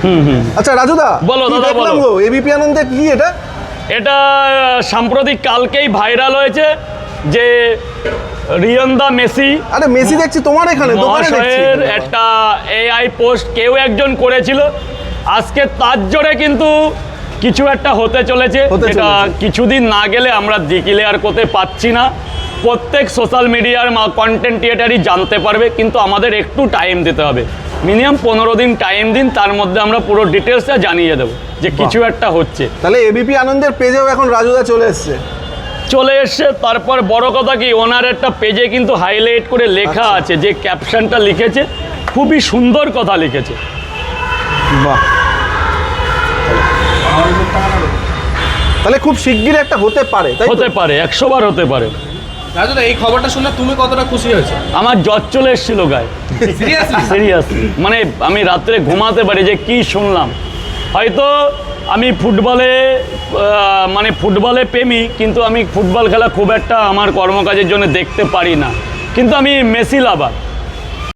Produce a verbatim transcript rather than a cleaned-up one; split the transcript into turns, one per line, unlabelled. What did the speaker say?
আচ্ছা রাজুদা,
বলো দাদা, বলো।
এবিপি আনন্দে কি এটা?
এটা সাম্প্রতিক কালকেই ভাইরাল হয়েছে যে রিয়ন্দা মেসি
আরে মেসি দেখছি তোমার এখানে দোকানে দেখছি
মহাশয়ের একটা এআই পোস্ট কেউ একজন করেছিল। আজকে তার জোরে কিন্তু কিছু একটা হতে চলেছে,
হতে
যেটা
চলেছে।
কিছুদিন না গেলে আমরা ডিক্লেয়ার করতে পারছি না। প্রত্যেক সোশ্যাল মিডিয়ার কন্টেন্ট ক্রিয়েটারই জানতে পারবে, কিন্তু আমাদের একটু টাইম দিতে হবে। মিনিমাম পনেরো দিন টাইম দিন, তার মধ্যে আমরা পুরো ডিটেলসটা জানিয়ে দেবো যে কিছু একটা হচ্ছে।
তাহলে এবিপি আনন্দের পেজেও এখন রাজুদা চলে এসছে।
চলে এসছে। তারপর বড় কথা কি, ওনার একটা পেজে কিন্তু হাইলাইট করে লেখা আছে, যে ক্যাপশনটা লিখেছে খুবই সুন্দর কথা লিখেছে।
বাহ, তাহলে খুব শিগগির একটা হতে পারে, তাই তো?
হতে পারে, একশো বার হতে পারে।
রাজুদা, এই খবরটা শুনে তুমি কতটা খুশি হয়েছো?
আমার জ্বর চলে এসেছিল গায়ে,
সিরিয়াসলি?
সিরিয়াসলি। মানে আমি রাত্রে ঘুমাতে পারি যে কি শুনলাম। হয়তো আমি ফুটবলে আহ, মানে ফুটবলে প্রেমী, কিন্তু আমি ফুটবল খেলা খুব একটা আমার কর্মকাজের জন্য দেখতে পারি না, কিন্তু আমি মেসি লাভার।